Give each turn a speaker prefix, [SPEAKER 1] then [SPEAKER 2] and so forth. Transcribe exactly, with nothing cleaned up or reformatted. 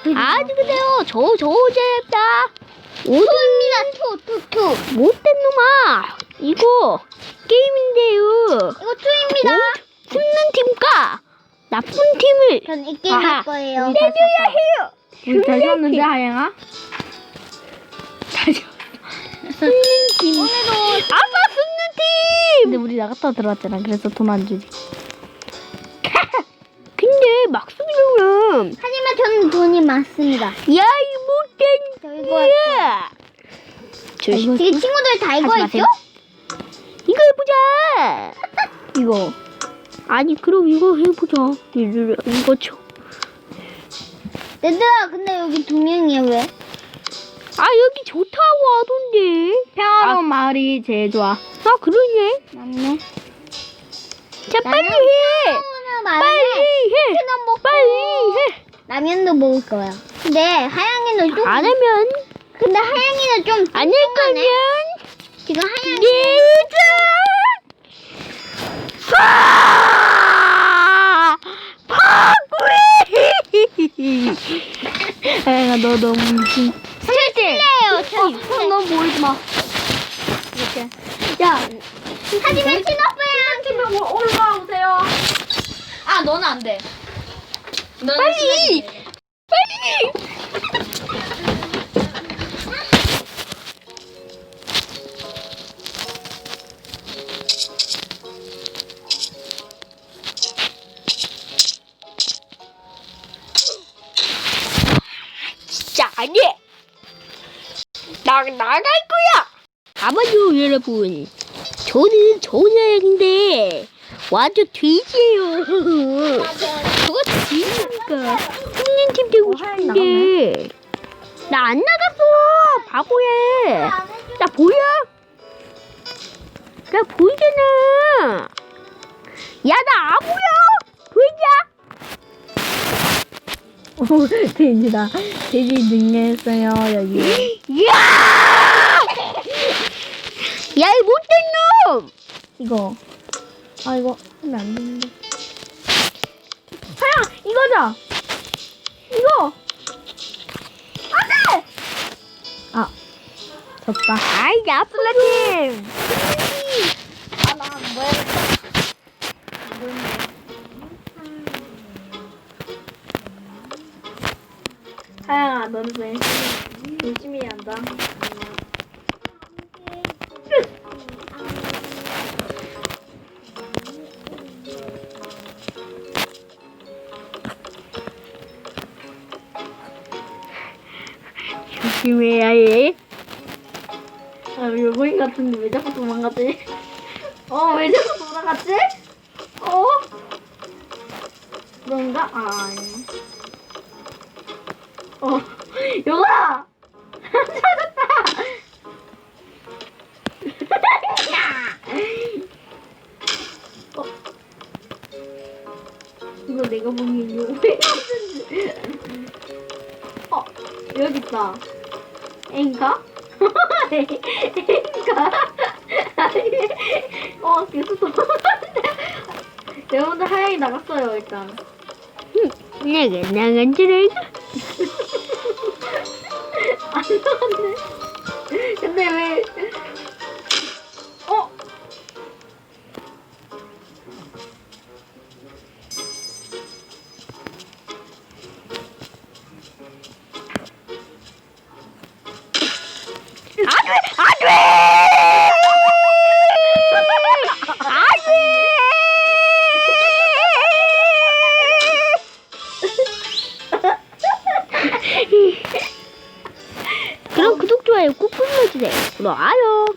[SPEAKER 1] 아주 그래요. 저, 저, 제다.
[SPEAKER 2] 투입니다. 투, 투, 투.
[SPEAKER 1] 못된 놈아. 이거 게임인데요.
[SPEAKER 2] 이거 투입니다.
[SPEAKER 1] 숨는 팀과 나쁜 팀을
[SPEAKER 2] 전 이 게임
[SPEAKER 1] 아하.
[SPEAKER 2] 할 거예요.
[SPEAKER 1] 내줘야 해요.
[SPEAKER 3] 우리 잘 샀는데 하영아? 잘 샀.
[SPEAKER 1] 숨는 팀.
[SPEAKER 2] 오늘도
[SPEAKER 1] 아빠 숨는 팀.
[SPEAKER 3] 근데 우리 나갔다 들어왔잖아. 그래서 돈 안 주지.
[SPEAKER 1] 근데 막 숨으면
[SPEAKER 2] 하지만 저는 돈이 많습니다.
[SPEAKER 1] 야, 이 못된
[SPEAKER 2] 저 이거
[SPEAKER 1] 야. 저
[SPEAKER 3] 이거
[SPEAKER 2] 되게 친구들 다 이거
[SPEAKER 3] 하지
[SPEAKER 2] 했죠?
[SPEAKER 3] 마세요.
[SPEAKER 1] 이거 해보자.
[SPEAKER 3] 이거.
[SPEAKER 1] 아니 그럼 이거 해보자. 이거 이거 쳐.
[SPEAKER 2] 얘들아, 근데 여기 두 명이야 왜?
[SPEAKER 1] 아 여기 좋다고 하던데.
[SPEAKER 3] 평화로운 마을이 제일 좋아.
[SPEAKER 1] 아 그러네.
[SPEAKER 2] 맞네.
[SPEAKER 1] 자 빨리 해.
[SPEAKER 2] 오늘
[SPEAKER 1] 빨리
[SPEAKER 2] 말에
[SPEAKER 1] 해.
[SPEAKER 2] 치킨 먹고
[SPEAKER 1] 빨리 해.
[SPEAKER 2] 라면도 먹을 거야. 근데 하양이는 좀
[SPEAKER 1] 안 하면
[SPEAKER 2] 근데 하양이는 좀
[SPEAKER 1] 안 할
[SPEAKER 2] 뚱뚱하네.
[SPEAKER 1] 거면
[SPEAKER 2] 지금 하양이
[SPEAKER 1] 내자. 아! 파구리.
[SPEAKER 3] 하영아 너 너무 미친.
[SPEAKER 2] 실례예요. 저
[SPEAKER 3] 형 너무 보이지 마. 이렇게. 야.
[SPEAKER 2] 하지만 친오빠랑
[SPEAKER 3] 팀명 올라와 오세요. 아 너는 안 돼. 너는
[SPEAKER 1] 빨리. 빨리. 진짜 아니야. 나 나갈 거야. 아마도 여러분, 저는 조사인데 완전 돼지예요. 저거 돼지니까 손님 팀 되고 싶은데 나 안 나갔어. 바보야. 나 보여? 나 보이잖아. 야, 나 안 보여. 보이냐?
[SPEAKER 3] 오 돼지다. 돼지 능력했어요 여기.
[SPEAKER 1] 야! 야, 이 못된 놈!
[SPEAKER 3] 이거. 아 이거 하면 안 되는데. 하영 이거죠? 이거. 안돼. 아 졌다.
[SPEAKER 1] 아이, 나쁘다님!
[SPEAKER 2] 아나 뭐야?
[SPEAKER 3] 하영아 너는 왜 열심히 해야 한다.
[SPEAKER 1] 조심해야 해.
[SPEAKER 3] 아 요거인 같은데 왜 자꾸 도망가지? 어 왜 자꾸 돌아갔지? 어? 그런가? 아 아니네. 어 요거다! 찾았다! 어? 이거 내가 보기엔 요거인 같은데. 어 여기 있다. 엥가? 엥가? 어 계속 도망가는데. 여러분들 하얀이 나갔어요 일단.
[SPEAKER 1] 내가 나간 줄 알고.
[SPEAKER 3] 안 나갔네. 근데 왜? 어?
[SPEAKER 1] 안 돼! 안 돼! 안 돼! 그럼 구독, 좋아요 꾹 눌러주세요. 그럼 아요.